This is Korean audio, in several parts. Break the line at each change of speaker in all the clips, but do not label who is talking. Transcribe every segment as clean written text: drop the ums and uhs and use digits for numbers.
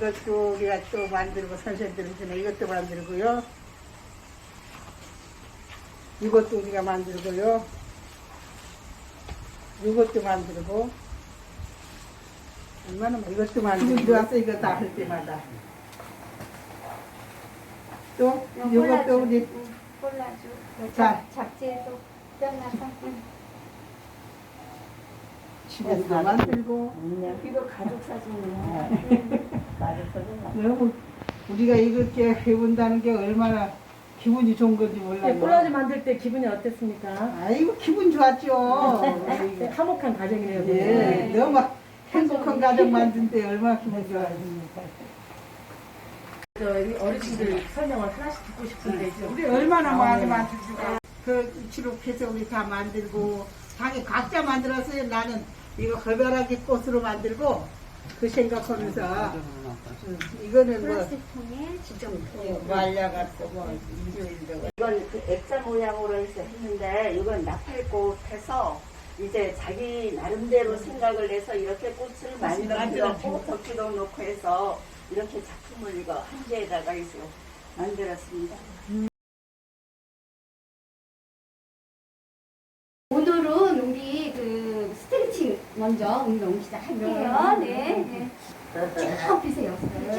이것도 우리가 또 만들고 선생님들 전에 이것도 만들고요. 이것도 우리가 만들고요. 이것도 만들고 얼마나 이것도 만들고 들어왔어 이거 다 할 때마다 또 이것도 우리
콜라주
자
잡지에도 떼어놔서
집에서 만들고
이거 가족 사진이에요. 가족 사진.
너무 우리가 이렇게 해본다는 게 얼마나 기분이 좋은 건지 몰라요.
콜라주 만들 때 기분이 어땠습니까?
아이고 기분 좋았죠.
화목한 가정이네요.
예, 너무 행복한 가정 만든 때 얼마나 기분 좋아했습니까.
어르신들 설명을 하나씩 듣고 싶은데
우리 얼마나 많이 만들고 그 기록해서 우리 다 만들고 자기 각자 만들었어요. 나는 이거 걸벼락이 꽃으로 만들고 그 생각하면서 이거는 뭐
플라스틱통에 직접
말려갖고 뭐
이건 그 액자 모양으로 해서 했는데 이건 나팔꽃 해서 이제 자기 나름대로 생각을 해서 이렇게 꽃을 만들었고 덕지도 놓고 해서 이렇게 작품을 이거 한 개에다가 해서 만들었습니다.
오늘은 우리 그 스트레칭 먼저 운동 시작할게요. 네. 쭉 펴세요.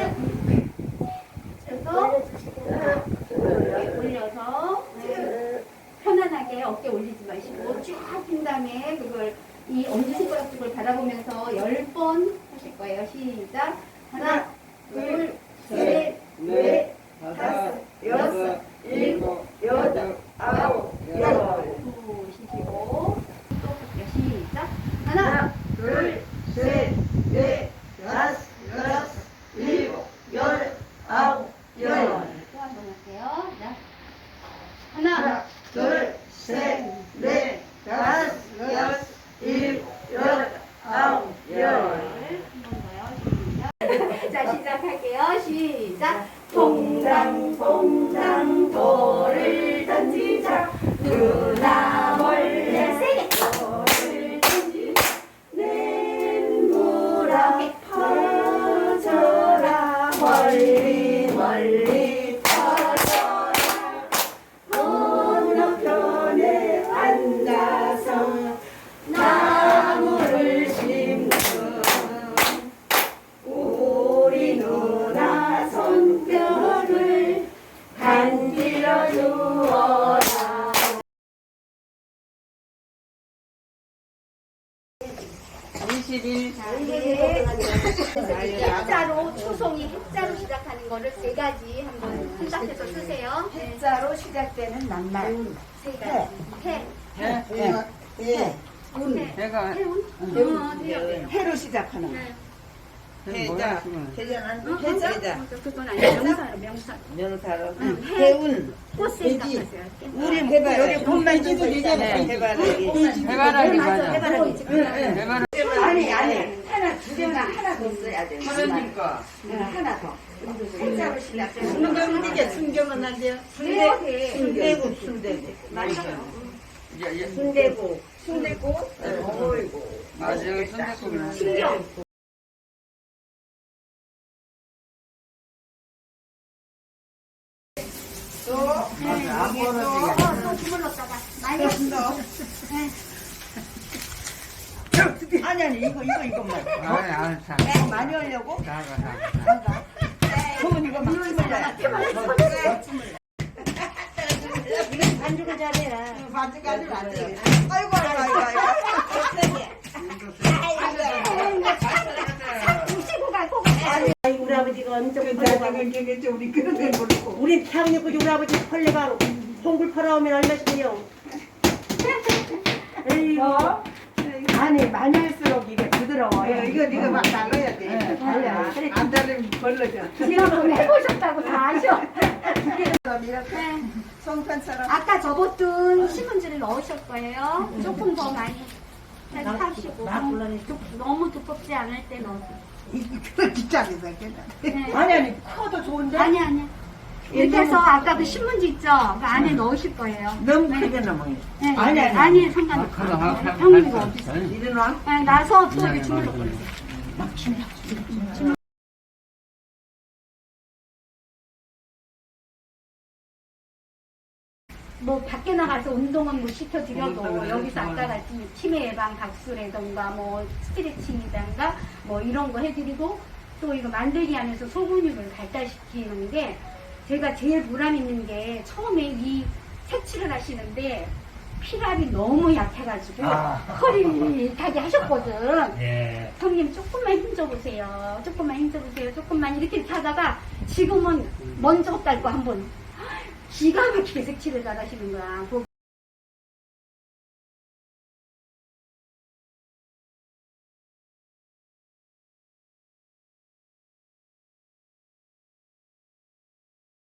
그래서 올려서 편안하게 어깨 올리지 마시고 쭉 핀 다음에 그걸 이 엄지손가락 쪽을 바라보면서 10번 하실 거예요. 시작. 하나, 둘, 셋, 넷, 다섯, 여섯, 일곱, 여덟, 아홉, 열. 쉬시고 또 할게요. 시작. 하나, 둘, 셋, 넷, 다섯, 여섯, 일곱, 열, 아홉, 열. 또 한 번 할게요. 자. 하나, 둘, 셋, 넷, 다섯, 여섯, 일곱, 여덟, 아홉, 열. 한 번 더요. 시작. 자, 시작할게요. 시작. 동장 돌을 던지자. 누나 몰래 세게 돌을 던지자. 냇물아 퍼져라. 멀리 퍼져라. 건너편에 앉아서 나무를 심는 우리 누나 손뼉을 간질러 주어라.
20일
해자로 초송이 해자로 시작하는 거를 세 가지 한번 생각해서 쓰세요.
해자로 시작되는 낱말.
세 가지.
내가
해로 시작하는 거.
해자
해자.
그건 아니야. 명사.
명사로.
해운
꽃 생각하세요.
우리 해바라기.
꽃만 지도 되잖아요.
해바라기.
해바라기
맞아. 해바라기.
아니 하나 두 개나 하나 더 써야 돼.
그러니까
하나 더. 해자로 시작되는
순경은 이게 순경은 안 돼요.
순대국.
맞아요.
순대국. 어이구.
맞아요. 순대국이나.
신경. 또 주물렀다가 많이 했어.
아니 이것만.
아니
많이 하려고?
나가.
그러면 이거 막 주물러야. 반죽을 잘해라.
반죽까지는 안 돼.
아이고.
뭉치고 가고 가.
우리 아버지가 엄청
그게 우리 그런 걸 모르고.
우리 태양력 우리 아버지 헐레가 홍굴 팔아오면 얼마씩이요?
아니 많이 할수록 이게 부드러워요.
이거 네가 막 달라야 돼. 달라. 안 달리면 벌러져.
지금 해보셨다고 다 아셔.
이렇게 송편처럼.
아까 접었던 신문지를 넣으실 거예요. 조금 더 많이 하시고 너무 두껍지 않을 때 넣으세요.
이거 뒷장에서
네.
아니 커도 좋은데.
아니. 이렇게 해서 아까 그 신문지 있죠? 그 안에 넣으실 거예요.
너무 크게 넘어요.
네.
아니,
상관없어요. 형님 이거 어디 있어요?
이리로 와.
네, 나서 또 이렇게 주물러 버리세요. 뭐 밖에 나가서 운동은 못 시켜드려도 여기서 아까 같이 치매 예방 박수라던가 뭐 스트레칭이던가 뭐 이런 거 해드리고 또 이거 만들기 하면서 소근육을 발달시키는 게 제가 제일 보람 있는 게 처음에 이 색칠을 하시는데 피랍이 너무 약해가지고 허리 타게 하셨거든.
예.
형님 조금만 힘줘보세요. 조금만 힘줘보세요. 조금만 이렇게 하다가 지금은 먼저 딸 거 한번 기가 막히게 색칠을 잘 하시는 거야. 그